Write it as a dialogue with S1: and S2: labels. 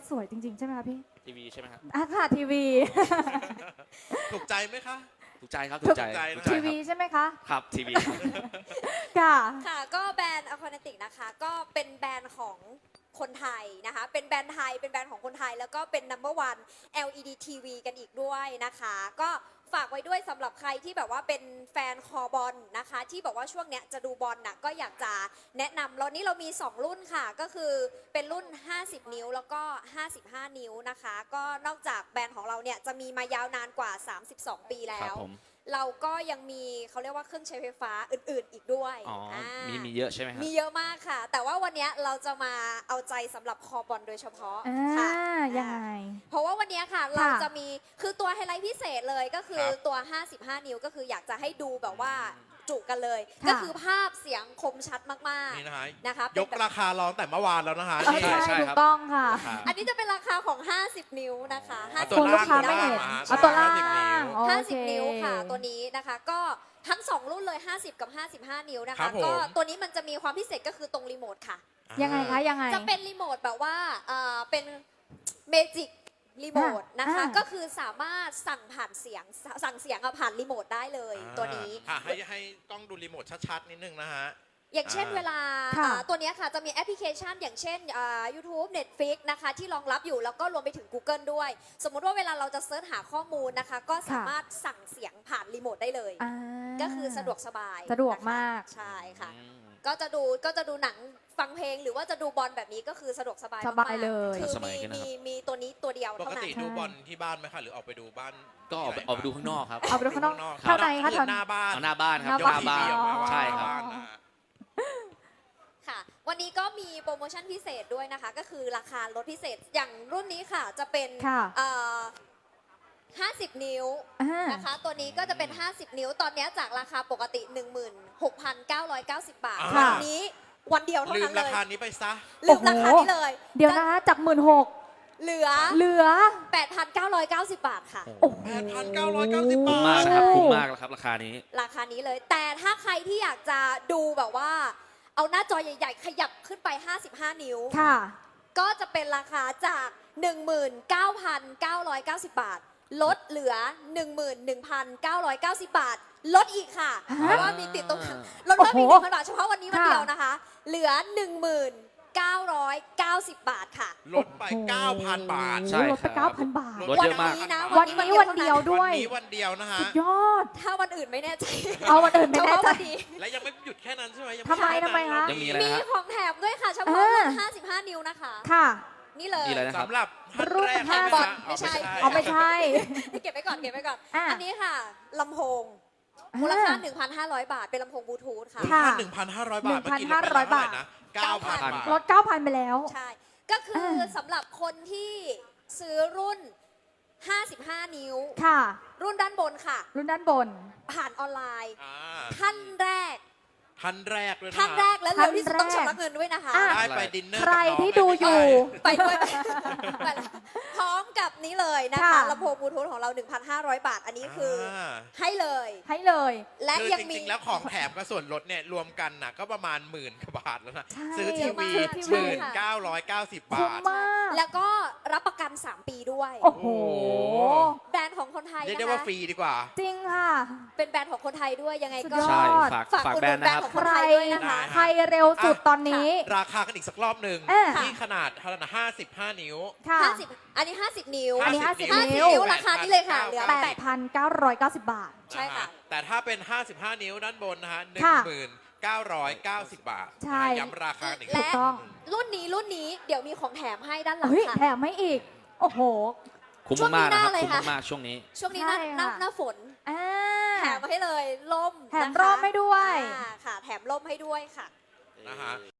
S1: สวยจริงๆใช่ไหมคะพี่
S2: ทีวีใช่ไหมครับ
S1: ค่ะทีวี
S3: ถูกใจไหมคะ
S2: ถูกใจครับถูกใจ
S3: ถูกใจนะ
S2: ถูกใจ
S1: ที
S2: ครั
S1: วี
S2: บ
S1: ใช่ไหมคะ
S2: ครับทีวี
S1: ค่ะ
S4: ค่ะก็แบรนด์ Aquanatic นะคะก็เป็นแบรนด์ของคนไทยนะคะเป็นแบรนด์ไทยเป็นแบรนด์ของคนไทยแล้วก็เป็น number one LED TV กันอีกด้วยนะคะก็ฝากไว้ด้วยสำหรับใครที่แบบว่าเป็นแฟนคอบอลนะคะที่บอกว่าช่วงเนี้ยจะดูบอลน่ะก็อยากจะแนะนำแล้วนี้เรามี 2 รุ่นค่ะก็คือเป็นรุ่น 50 นิ้วแล้วก็ 55 นิ้วนะคะก็นอกจากแบรนด์ของเราเนี่ยจะมีมายาวนานกว่า 32 ปีแล้
S2: ครับ
S4: ว
S2: ผม
S4: เราก็ยังมีเขาเรียกว่าเครื่องใช้ไฟฟ้าอื่นๆ อีกด้วย
S2: อ๋อ มี
S4: า
S2: เยอะใช่ไหมครับ
S4: มีเยอะมากค่ะ แต่ว่าวันนี้เราจะมาเอาใจสำหรับคอบอลโดยเฉพาะ
S1: อ่า
S4: ค่ะ
S1: ยังไง
S4: เพราะว่าวันนี้ค่ะเราจะมีคือตัวไฮไลท์พิเศษเลยก็คือ
S3: ครับ
S4: ตัว 55 นิ้วก็คืออยากจะให้ดูแบบว่าจุกันเลย
S1: ค่ะ
S4: ก็คือภาพเสียงคมชัดมาก
S3: นี่นะคะ
S4: ๆนะคะ
S3: ยกราคาร้องแต่เมื่อวานแล้วนะคะ
S1: เออ
S3: นี่
S1: ใช่
S2: ใช่
S1: ถู
S2: ครั
S1: ก
S2: บ
S1: ต้องค่ะ
S2: ราคา
S4: อันนี้จะเป็นราคาของ 50 นิ้วนะคะ
S3: เอา
S4: 50
S3: ตัว
S1: คุณลูกค้า
S3: ล่าง
S1: ไม่เห็น
S3: ตัวล่าง
S1: เอาตัวล่าง
S3: 50นิ้ว
S1: โอเค
S4: 50 นิ้วค่ะ ตัวนี้นะคะก็ทั้ง 2 รุ่นเลย 50 กับ 55 นิ้วนะ
S3: ครั
S4: คะ
S3: บผม
S4: ก็ตัวนี้มันจะมีความพิเศษก็คือตรงรีโมทค่ะ
S1: ยังไงคะยังไง
S4: จะเป็นรีโมทแบบว่าเป็นเมจิกรีโมทนะคะ
S1: อ่า
S4: ก็คือสามารถสั่งผ่านเสียงสั่งเสียงผ่านรีโมทได้เลยตัวนี้
S3: ค่ะให้กล้องดูรีโมทชัดๆนิดนึงนะฮะ
S4: อย่างเช่น
S3: อ่า
S4: เวลา
S1: ค่ะ
S4: ตัวเนี้ยค่ะจะมีแอปพลิเคชันอย่างเช่นYouTube Netflix นะคะที่รองรับอยู่แล้วก็รวมไปถึง Google ด้วย สมมุติว่าเวลาเราจะเซิร์ชหาข้อมูลนะคะ ก็สามารถสั่งเสียงผ่านรีโมทได้เลย
S1: อ่า
S4: ก็คือสะดวกสบาย
S1: สะดวก
S4: นะคะ
S1: มาก
S4: ใช่ค่ะ
S2: อืม
S4: ก็จะดูหนังฟังเพลงหรือว่าจะดูบอลแบบนี้ก็คือสะดวกสบาย
S1: สบาย
S4: มกๆ
S1: เลย
S4: คือ
S2: สมัยขึ้นนะครับ
S4: มีตัวนี้ตัวเดียว
S3: ป
S4: เท่าก นั้น
S3: ติดูบอลที่บ้านไหมคะหรือออกไปดูบ้าน
S2: ก็ออกไป
S3: ที่หน
S2: ออกไปดูข้างนอกครับ
S1: เอาไปดูข้างนอก
S3: รับ
S1: เท่าไหร่คะ
S3: คือหน้าบ้าน
S2: เอาหน้าบ้านครับ
S1: หน้า
S2: หน้าบ้าน
S3: ทีวีออกมา
S2: ใช่ครับ
S3: บ้านนะฮะ
S4: ค่ะ วันนี้ก็มีโปรโมชั่นพิเศษด้วยนะคะ ก็คือราคาลดพิเศษอย่างรุ่นนี้ค่ะจะเป็น
S1: ค่ะ
S4: 50 นิ้ว
S1: อ่า
S4: นะคะ ตัวนี้ก็จะเป็น 50 นิ้ว ตอนนี้จากราคาปกติ 16,990 บาท
S3: ค่ะ
S4: วันนี้วันเดียวเท่า
S3: ลืม
S4: นั้นเล
S3: ราย คานี้ไปซะ
S4: ลืมราคานี้เลย
S1: เดี๋ยวนะคะจาก16,000
S4: เหลือ
S1: เหลือ
S4: 8,990 บาทค่ะ
S1: โอ้โห
S3: 8,990
S2: คุ้ม
S3: บาท
S2: มากนะครับคุ้มมากแล้วครับราคานี้
S4: ราคานี้เลย แต่ถ้าใครที่อยากจะดูแบบว่า เอาหน้าจอใหญ่ๆ ขยับขึ้นไป 55 นิ้ว
S1: ค่ะ
S4: ก็จะเป็นราคาจาก 19,990 บาท ลดเหลือ 11,990 บาท ลดอีกค่ะ
S1: ฮะ
S4: เพราะว่ามีติดตรงนั้นลดเพิ่มอีก
S1: โอ้โห
S4: 1,000 บาท เฉพาะวันนี้วันเดียวนะคะ เหลือ 1990 บาทค่ะ
S3: ลดไป 9,000 บาท
S2: ใช่
S1: ลดไป
S2: ครับ
S1: 9,000 บาท
S2: ลดเยอะมาก
S4: วันนี้นะ
S1: วันนี้วันเดียวด้วย
S3: วันนี้วันเดียวนะฮะ
S1: สุดยอด
S4: ถ้าวันอื่นไม่แน่ใจ
S1: เอาวันอื่นไม่แน่ใจ
S4: เฉพาะวันนี้
S3: และยังไม่หยุดแค่นั้นใช่ไหมยัง
S1: ทำไม
S3: แค่นั้น
S1: ทำไมคะ
S2: ยังมีอะไร
S4: มี
S2: นะฮะ
S4: ของแถมด้วยค่ะ เฉพาะรุ่น 55 นิ้วนะคะ
S1: ค่ะ
S4: นี่เลย
S2: นี่เลยนะครับ
S3: สำหรับท่านแรก
S1: รุ่น
S3: ใช่ไหม
S4: บอล
S3: คะ
S4: ไม่ใช่
S1: เอาไม่ใช่
S4: เก็บไว้ก่อนเก็บไว้ก่อน
S1: อ่ะ
S4: อันนี้ค่ะลำโพงมูลค่า 1,500 บาท เป็นลำโพงบลูทูธค่ะ
S1: ค่ะ
S3: 1,500 บาทเมื่อกี้ลดไป
S1: 1,500
S3: เท่าไหร่นะ 9,000 บาท
S1: ลด 9,000 ไปแล้ว
S4: ใช่ ก็คือสำหรับคนที่ซื้อรุ่น 55 นิ้ว
S1: ค่ะ
S4: รุ่นด้านบนค่ะ
S1: รุ่นด้านบน
S4: ผ่านออนไลน์
S3: อ่า
S4: ท่านแรก
S3: ท่านแรกด้วยนะ
S4: ท่านแรกและเร็วที่สุด
S1: ท่านแรก
S4: ต้องชำระเงินด้วยนะคะ
S1: อ่ะ
S3: ได้ไปดินเนอร์
S1: ใคร
S3: กับน้ง
S1: ที่ดูอยู่
S4: ไปด้วยไปแล้วพร้อมกับนี้เลยนะคะ
S1: ค่ะ
S4: ลำโพงบลูทูธของเรา 1,500 บาท อันนี้คืออ
S3: า
S4: ให้เลย
S1: ให้เลย
S4: และ
S3: คือ
S4: ยัง
S3: จ
S4: มี
S3: ริงๆ แล้วของแถมกับส่วนลดเนี่ยรวมกันน่ะก็ประมาณหมื่นกว่าบาทแล้วนะ
S1: ใช่
S3: ซื้อทีวี
S1: ซื้อทีวี
S3: 1990
S1: คุ้ม
S3: บาท
S1: มาก
S4: แล้วก็รับประกัน 3 ปีด้วย
S1: โอ้โห
S4: แบรนด์ของคนไทย
S3: เรียก
S4: นะ
S3: ได้ว่า
S4: คะ
S3: ฟรีดีกว่า
S1: จริงค่ะ
S4: เป็นแบรนด์ของคนไทยด้วยยังไงก็
S1: สุดยอด
S2: ใช่ฝาก
S4: ฝาก
S2: ฝาก
S4: อุด
S2: แบ
S4: ห
S2: ร
S4: นุ
S2: น
S4: น
S2: ด์
S4: แบร
S2: นะ
S4: น
S2: ค
S4: ด์
S2: รับ
S4: ของคนไทยด้วยนะคะ
S1: ใครเร็วสุดตอนนี้
S3: ราคากันอีกสักรอบหนึ่ง
S1: อ่ะ
S3: ที่ขนาดเท่านั้นนะ55 นิ้ว
S1: ค่ะ
S4: 50 อันนี้ 50 นิ้ว
S1: อันนี้
S3: 50
S1: 50
S4: 50
S1: นิ้ว
S4: นิ้วราคานี้เลยค่ะเหลือ
S1: 8,990 บาท
S4: ใช่ค่ะ
S3: แต่ถ้าเป็น 55 นิ้วด้านบนนะฮะ
S1: ค่ะ
S3: 1990 บาท
S1: ใช่
S3: ย้ำราคาอีก
S1: ถูกต้อง
S4: รุ่นนี้เดี๋ยวมีของแถมให้ด้านหลัง
S1: เฮ้ย
S4: ค่ะ
S1: แถมไม่อีก โอ้โห
S2: คุ้ม
S4: ช่วงนี้
S2: มากๆนะครับ
S4: หน้าเลย
S2: คุ้ม
S4: ค่ะ
S2: มากๆช่วงนี้
S4: ช่วงนี้
S1: ใช่
S4: หน้า
S1: ค่ะ
S4: หน้าฝน
S1: อ่า
S4: แถมมาให้เลยล่ม
S1: แถม
S4: นะคะ
S1: ร่มให้ด้วย
S4: ค่ะ แถมร่มให้ด้วยค่ะ
S3: นะฮะ